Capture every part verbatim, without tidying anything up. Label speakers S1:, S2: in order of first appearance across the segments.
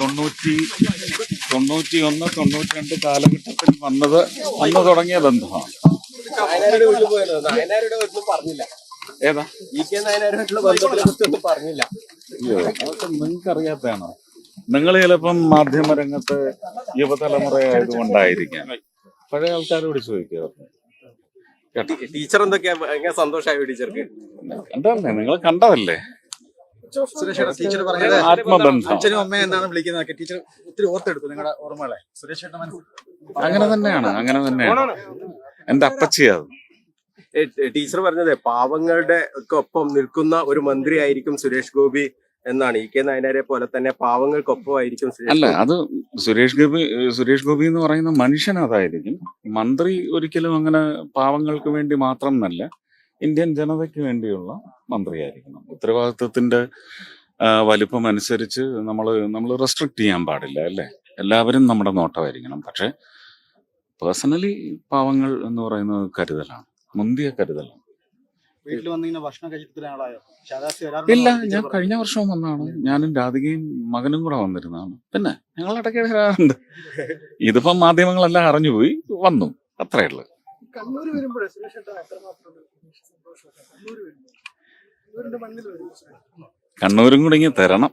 S1: തൊണ്ണൂറ്റി തൊണ്ണൂറ്റി ഒന്ന് തൊണ്ണൂറ്റി രണ്ട് കാലഘട്ടത്തിൽ വന്നത് അന്ന് തുടങ്ങിയ ബന്ധമാണ്.
S2: നായനാരുടെ വീട്ടിൽ പോയത് നായനാരുടെ ഒന്നും പറഞ്ഞില്ല.
S1: ഏതാ
S2: ഇ കെ നായനാരുടെ ബന്ധത്തിനെ കുറിച്ചൊന്നും പറഞ്ഞില്ല.
S1: അയ്യോ, അതൊക്കെ നിങ്ങൾക്ക് അറിയാത്തതാണോ? നിങ്ങൾ ചിലപ്പം മാധ്യമരംഗത്ത് യുവതലമുറ ആയതുകൊണ്ടായിരിക്കാം. പഴയ ആൾക്കാരോട് ചോദിക്കുക കേട്ടോ.
S2: ടീച്ചർ എന്തൊക്കെയാ ഭയങ്കര സന്തോഷമായി ടീച്ചർക്ക്.
S1: കണ്ടല്ലേ, നിങ്ങൾ കണ്ടതല്ലേ
S3: സുരേഷ് ടീച്ചർ പറഞ്ഞത്
S1: ആത്മബന്ധം.
S3: അച്ഛനും അമ്മയും എന്നാണ് വിളിക്കുന്നതൊക്കെ ടീച്ചർ ഒത്തിരി ഓർത്തെടുത്തു നിങ്ങളുടെ ഓർമ്മകളെ. സുരേഷ് ചേട്ടൻ മനസ്സിൽ
S1: അങ്ങനെ തന്നെയാണ്, അങ്ങനെ തന്നെയാണ്. എന്റെ അപ്പച്ചിയത്
S2: ടീച്ചർ പറഞ്ഞത് പാവങ്ങളുടെ ഒക്കെ ഒപ്പം നിൽക്കുന്ന ഒരു മന്ത്രി ആയിരിക്കും സുരേഷ് ഗോപി എന്നാണ്. ഇ കെ നായനാരെ പോലെ തന്നെ പാവങ്ങൾക്കൊപ്പം ആയിരിക്കും സുരേഷ്
S1: അല്ല,
S2: ഗോപി.
S1: അത് സുരേഷ് ഗോപി സുരേഷ് ഗോപി എന്ന് പറയുന്ന മനുഷ്യൻ അതായിരിക്കും. മന്ത്രി ഒരിക്കലും അങ്ങനെ പാവങ്ങൾക്ക് വേണ്ടി മാത്രം എന്നല്ല, ഇന്ത്യൻ ജനതയ്ക്ക് വേണ്ടിയുള്ള മന്ത്രിയായിരിക്കണം. ഉത്തരവാദിത്വത്തിന്റെ ആ, വലിപ്പം അനുസരിച്ച് നമ്മൾ നമ്മൾ റെസ്ട്രിക്ട് ചെയ്യാൻ പാടില്ല അല്ലേ. എല്ലാവരും നമ്മുടെ നോട്ടമായിരിക്കണം. പക്ഷെ പേഴ്സണലി പാവങ്ങൾ എന്ന് പറയുന്നത് കരുതലാണ്, മുന്തിയ കരുതലാണ്.
S3: വീട്ടിൽ വന്നിങ്ങനെ ഭക്ഷണം കഴിച്ചിട്ട് ആളായോ?
S1: ഇല്ല, ഞാൻ കഴിഞ്ഞ വർഷവും വന്നാണ്. ഞാനും രാധികയും മകനും കൂടെ വന്നിരുന്നതാണ്. പിന്നെ ഞങ്ങൾ ഇടയ്ക്ക് വരാറുണ്ട്. ഇതിപ്പം മാധ്യമങ്ങളെല്ലാം അറിഞ്ഞുപോയി, വന്നു, അത്രേ ഉള്ളു.
S3: കണ്ണൂര് വരുമ്പോഴേ സുരേഷ് ചേട്ടൻ എത്രമാത്രം സന്തോഷം. കണ്ണൂര് വരുമ്പോൾ ഇവരുടെ മണ്ണിൽ വരും.
S1: കണ്ണൂരും കൂടി ഇങ്ങനെ തരണം.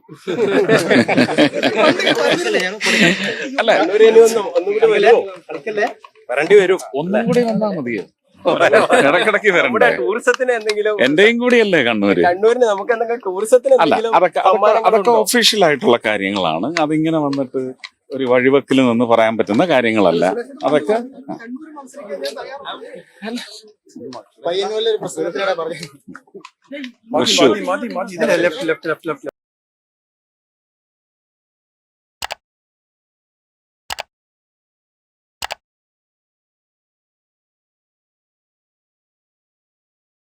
S1: അല്ല,
S2: കണ്ണൂര് ഇനി ഒന്നും ഒന്നും കൂടി വരുമോ? വരേണ്ടി വരും.
S1: ഒന്നും കൂടി വന്നാ മതിയോ? ഇടക്കിടക്ക്
S2: നമ്മുടെ
S1: വരണ്ടേ?
S2: ടൂറിസത്തിന് എന്തെങ്കിലും
S1: എന്റെയും കൂടിയല്ലേ കണ്ണൂര്?
S2: കണ്ണൂരിന് നമുക്ക് എന്തെങ്കിലും ടൂറിസത്തിന്
S1: അല്ല,
S2: എന്തെങ്കിലും
S1: അതൊക്കെ അതൊക്കെ അതൊക്കെ
S2: സമ്മാനങ്ങളുണ്ടോ?
S1: ഒഫീഷ്യൽ ആയിട്ടുള്ള കാര്യങ്ങളാണ്. അതിങ്ങനെ വന്നിട്ട് ഒരു വഴിവെക്കിൽ നിന്ന് പറയാൻ പറ്റുന്ന കാര്യങ്ങളല്ല. അതൊക്കെ
S3: പയ്യന്നൂരിലെ ഒരു പ്രസംഗത്തിലൂടെ പറഞ്ഞു
S1: Thrissur
S3: left left left left